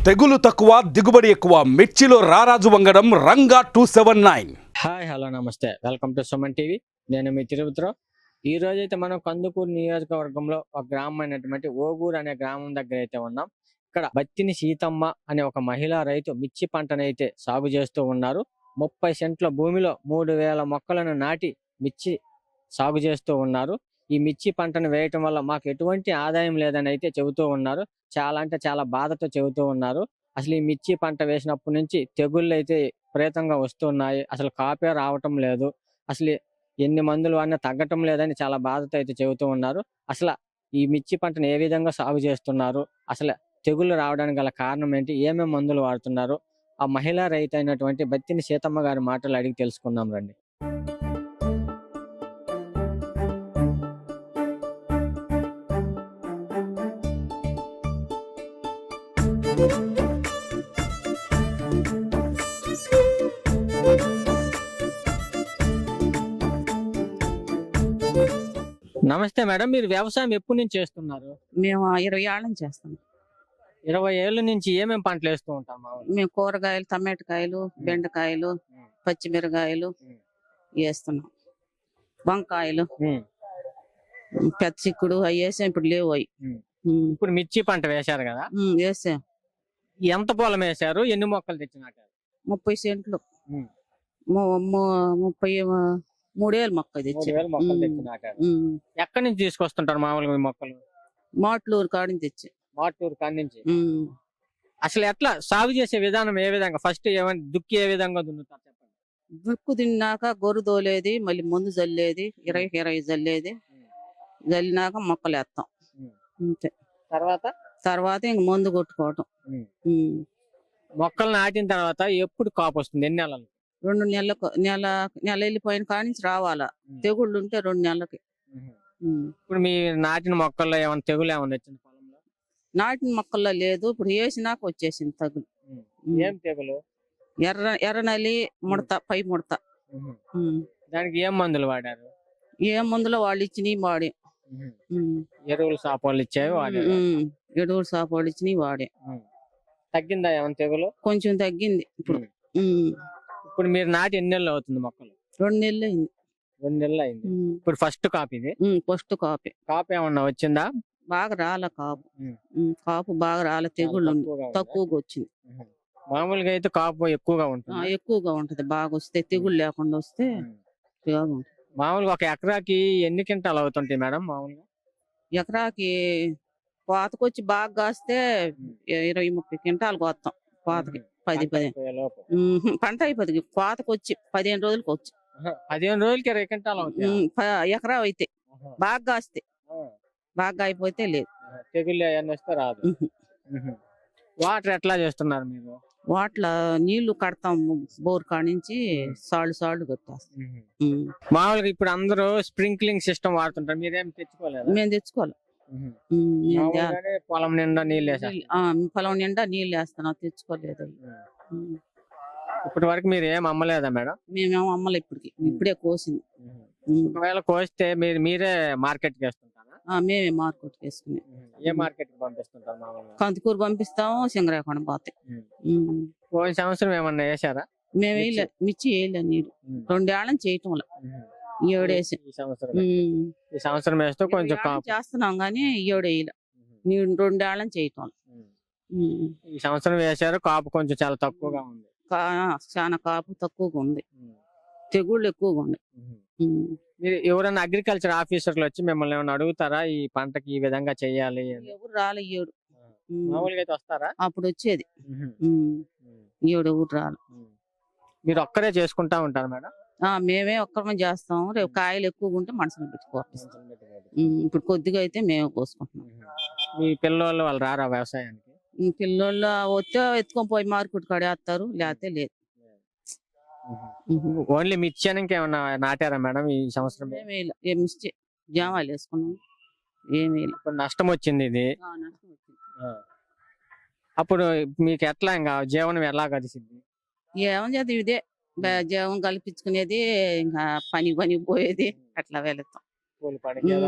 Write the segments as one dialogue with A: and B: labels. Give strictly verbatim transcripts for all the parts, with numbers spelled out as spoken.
A: తెగులు తక్కువ దిగుబడి ఎక్కువ మిర్చిలో రారాజు వంగడం Ranga two seven nine.
B: Hi hello నమస్తే, వెల్కమ్ టు సుమన్ టీవీ. నేను మీ తిరుపతిరావు. ఈ రోజు అయితే మనం కందుకూరు నియోజకవర్గంలో ఒక గ్రామం అయినటువంటి ఓగూరు అనే గ్రామం దగ్గర అయితే ఉన్నాం. ఇక్కడ బత్తిని సీతమ్మ అనే ఒక మహిళా రైతు మిర్చి పంటనైతే సాగు చేస్తూ ఉన్నారు. ముప్పై సెంట్ల భూమిలో మూడు వేల మొక్కలను నాటి మిర్చి సాగు చేస్తూ ఉన్నారు. ఈ మిర్చి పంటను వేయటం వల్ల మాకు ఎటువంటి ఆదాయం లేదని అయితే చెబుతూ ఉన్నారు. చాలా అంటే చాలా బాధతో చెబుతూ ఉన్నారు. అసలు ఈ మిర్చి పంట వేసినప్పటి నుంచి తెగుళ్ళు అయితే విపరీతంగా వస్తున్నాయి. అసలు కాపే రావటం లేదు. అసలు ఎన్ని మందులు వాడినా తగ్గటం లేదని చాలా బాధతో అయితే చెబుతూ ఉన్నారు. అసలు ఈ మిర్చి పంటను ఏ విధంగా సాగు చేస్తున్నారు, అసలు తెగుళ్ళు రావడానికి గల కారణం ఏంటి, ఏమేమి మందులు వాడుతున్నారు, ఆ మహిళా రైతు అయినటువంటి బత్తిని సీతమ్మ గారి మాటలు అడిగి తెలుసుకుందాం రండి. నమస్తే మేడం, మీరు వ్యవసాయం ఎప్పటి నుంచి చేస్తున్నారు?
C: మేము ఇరవై ఏళ్ళ నుంచి చేస్తాం.
B: ఇరవై ఏళ్ళ నుంచి ఏమేమి పంటలు వేస్తూ ఉంటాం?
C: మేము కూరగాయలు, టమాటకాయలు, బెండకాయలు, పచ్చిమిరకాయలు వేస్తున్నాం. వంకాయలు, పెద్ద చిక్కుడు అవి వేసాం. ఇప్పుడు లేవు అవి.
B: ఇప్పుడు మిర్చి పంట వేశారు కదా,
C: వేసాం.
B: ఎంత పొలం వేశారు, ఎన్ని మొక్కలు తెచ్చినారు?
C: ముప్పై సెంట్లు, ముప్పై మూడేళ్ళు మొక్క తెచ్చి.
B: ఎక్కడి నుంచి తీసుకొస్తుంటారు మామూలుగా మీ మొక్కలు?
C: మాట్లూరు కాడి నుంచి తెచ్చి.
B: మాటూరు కాడి నుంచి. అసలు ఎట్లా సాగు చేసే విధానం ఏ విధంగా? ఫస్ట్ ఏమైనా దుక్కి ఏ విధంగా దున్నుతారు చెప్పండి.
C: దుక్కు తిన్నాక గొర్రు తోలేది, మళ్ళీ ముందు జల్లేది, ఇరవై ఇరవై జల్లేది. జల్లినాక మొక్కలు వేస్తాం అంతే.
B: తర్వాత
C: తర్వాత ఇంక మందు కొట్టుకోవటం.
B: మొక్కలు నాటిన తర్వాత ఎప్పుడు కాపు వస్తుంది? ఎన్ని నెలలు?
C: రెండు నెలలకు నెల నెల వెళ్ళిపోయిన కాడి నుంచి రావాలా. తెగుళ్ళు ఉంటే రెండు నెలలకి.
B: ఇప్పుడు మీ నాటిన మొక్కల్లో ఏమైనా తెగులు ఏమైనా వచ్చింది పొలంలో?
C: నాటిన మొక్కల్లో లేదు, ఇప్పుడు వేసినాక వచ్చేసింది తగులు.
B: ఏం తెగులు?
C: ఎర్ర ఎర్రనలి ముడత, పై ముడత.
B: దానికి ఏం మందులు వాడారు?
C: ఏ మందులో వాళ్ళు ఇచ్చినవి వాడే.
B: ఎరువులు సాపోళ్ళు ఇచ్చేవి వాడే.
C: ఎరువులు సాపోళ్ళు ఇచ్చినవి వాడే.
B: తగ్గిందా ఏమైనా తెగులు?
C: కొంచెం తగ్గింది ఇప్పుడు.
B: ఇప్పుడు మీరు నాటి ఎన్ని నెలలు అవుతుంది మొక్కలు?
C: రెండు నెలలు అయింది.
B: రెండు నెలలు అయింది. ఇప్పుడు ఫస్ట్ కాపు ఇది?
C: ఫస్ట్ కాపే.
B: కాపు ఏమన్నా వచ్చిందా?
C: బాగా రాలే కాపు. కాపు బాగా రాలే, తెగుళ్ళు తక్కువగా వచ్చింది.
B: మామూలుగా అయితే కాపు ఎక్కువగా ఉంటుంది.
C: ఎక్కువగా ఉంటది. బాగా వస్తే తెగుళ్ళు లేకుండా వస్తే
B: మామూలుగా ఒక ఎకరాకి ఎన్ని క్వింటాలు అవుతుంటాయి మేడం మామూలుగా?
C: ఎకరాకి కోతకొచ్చి బాగా కాస్తే ఇరవై ముప్పై క్వింటాలు కోస్తాం. కోతకి పది పదిహేను పంట అయిపోతుంది. కోతకు వచ్చి పదిహేను రోజులకి వచ్చి
B: పదిహేను రోజులకి ఇరవై క్వింటాలు
C: ఎకరా అయితే బాగా కాస్తే. బాగా అయిపోతే లేదు.
B: తెగుళ్ళు అవన్నీ వస్తే రాదు. వాటర్ ఎట్లా చేస్తున్నారు మీరు?
C: వాటర్ నీళ్లు కడతాం బోర్ కాడ నుంచి. సాళ్ళు సాళ్ళు కొట్టేస్తాం.
B: మామూలుగా ఇప్పుడు అందరూ స్ప్రింక్లింగ్ సిస్టమ్ వాడుతుంటారు, మీరేం తెచ్చుకోలేదు?
C: మేము తెచ్చుకోవాలి.
B: పొలం నిండా నీళ్ళు వేసారు.
C: పొలం నిండా నీళ్ళు వేస్తాను, తెచ్చుకోలేదు.
B: ఇప్పటి వరకు మీరు ఏం అమ్మలేదా మేడం?
C: మేమేమో అమ్మలే ఇప్పటికి. ఇప్పుడే కోసింది.
B: ఒకవేళ కోస్తే మీరు మీరే మార్కెట్ కి వేస్తుంటారా?
C: మేమే మార్కెట్ వేసుకుని.
B: ఏ మార్కెట్ కి పంపిస్తుంటారు మామూలుగా?
C: కందుకూరు పంపిస్తాము, సింగరాకొండ పోతాయి.
B: పోయిన సంవత్సరం ఏమన్నా వేసారా?
C: మేము వేయలే, మిర్చి వేయలే. నీరు రెండేళ్ళని చేయటం ఏడేసి.
B: ఈ సంవత్సరం వేస్తే కొంచెం
C: చేస్తున్నాం గానీ ఏడేయలే. నీరు రెండేళ్ళని చేయటం.
B: ఈ సంవత్సరం వేసారు, కాపు కొంచెం చాలా తక్కువగా ఉంది.
C: చాలా కాపు తక్కువగా ఉంది, తెగుళ్ళు ఎక్కువగా ఉంది.
B: మీరు ఎవరైనా అగ్రికల్చర్ ఆఫీసర్లు వచ్చి మిమ్మల్ని ఏమైనా అడుగుతారా ఈ పంటకి ఈ విధంగా చెయ్యాలి?
C: ఎవరు రాలే. ఏడు
B: మామూలుగా అయితే వస్తారా?
C: అప్పుడు వచ్చేది. ఏడు ఎవరు రాలే.
B: మీరు ఒక్కరే చేసుకుంటా ఉంటారు మేడం?
C: మేమే ఒక్కరమే చేస్తాం. రేపు కాయలు ఎక్కువగా ఉంటే మనసులో పెట్టుకోవాలి. ఇప్పుడు కొద్దిగా అయితే మేమే కోసుకుంటున్నాం.
B: మీ పిల్లలు వాళ్ళు రారా వ్యవసాయానికి?
C: పిల్లలు వస్తే ఎత్తుకొని పోయి మార్కెట్ కాడ వేస్తారు, లేకపోతే లేదు.
B: ఓన్లీ మిర్చి ఏమన్నా నాటారా మేడం ఈ సంవత్సరం?
C: ఏమి మిర్చి జామాలు వేసుకున్నాం. ఏమి
B: నష్టం వచ్చింది ఇది. అప్పుడు మీకు ఎట్లా ఇంకా జీవనం ఎలా గడిచింది?
C: ఏమని చేద్దాం, ఇదే జీవం కల్పించుకునేది. ఇంకా పని పని పోయేది, అట్లా వెళతాం.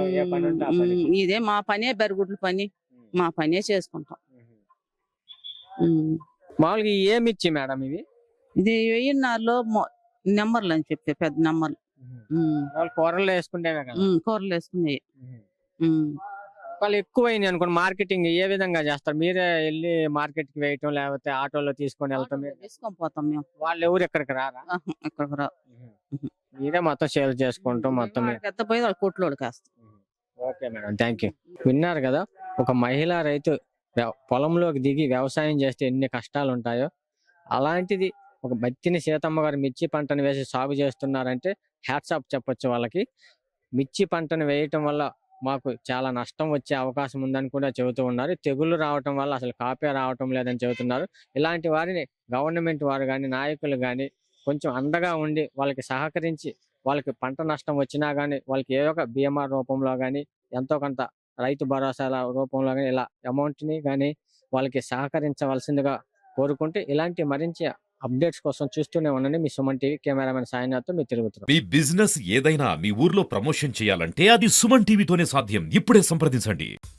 C: ఇదే మా పనే, బెరుగుడ్ల పని. మా పనే చేసుకుంటాం. ఉమ్.
B: మామూలుగా ఈ ఏ మిర్చి మేడం ఇవి
C: ఇది వెయ్యిన్నారులో నెంబర్లు అని చెప్పి పెద్ద నెంబర్లు. ఉమ్.
B: వాళ్ళు కూరల్లో వేసుకుంటేవే కదా
C: ఉమ్, కూరలు వేసుకున్నాయి.
B: వాళ్ళు ఎక్కువైంది అనుకోండి మార్కెటింగ్ ఏ విధంగా చేస్తారు? మీరే వెళ్ళి మార్కెట్ కి వేయటం లేకపోతే ఆటోలో తీసుకొని వెళ్తాం?
C: తీసుకొని పోతాం మేము.
B: వాళ్ళు ఎవరు ఎక్కడికి రారా?
C: ఆహా, ఇక్కడికి రా.
B: మీరే మొత్తం సేల్ చేసుకుంటాం మొత్తం మీద.
C: పెద్ద పోయి వాళ్ళు కొట్లోడికి వేస్తాం.
B: Okay madam, thank you. విన్నారు కదా, ఒక మహిళా రైతు వ్య- పొలంలోకి దిగి వ్యవసాయం చేస్తే ఎన్ని కష్టాలు ఉంటాయో, అలాంటిది ఒక బత్తిని సీతమ్మ గారు మిర్చి పంటను వేసి సాగు చేస్తున్నారంటే హ్యాట్స్ ఆఫ్ చెప్పొచ్చు వాళ్ళకి. మిర్చి పంటను వేయటం వల్ల మాకు చాలా నష్టం వచ్చే అవకాశం ఉందని కూడా చెబుతూ ఉన్నారు. తెగుళ్ళు రావటం వల్ల అసలు కాపే రావటం లేదని చెబుతున్నారు. ఇలాంటి వారిని గవర్నమెంట్ వారు కానీ నాయకులు కానీ కొంచెం అండగా ఉండి వాళ్ళకి సహకరించి వాళ్ళకి పంట నష్టం వచ్చినా కానీ వాళ్ళకి ఏ ఒక బీమా రూపంలో కానీ ఎంతో కొంత రైతు భరోసాల రూపంలో కానీ ఇలా అమౌంట్ని కానీ వాళ్ళకి సహకరించవలసిందిగా కోరుకుంటే, ఇలాంటి మరించి అప్డేట్స్ కోసం చూస్తూనే ఉండండి. మీ సుమన్ టీవీ కెమెరామెన్ సాయినాథ్తో మీ తిరుగుతున్నారు.
D: మీ బిజినెస్ ఏదైనా మీ ఊర్లో ప్రమోషన్ చేయాలంటే అది సుమన్ టీవీతోనే సాధ్యం. ఇప్పుడే సంప్రదించండి.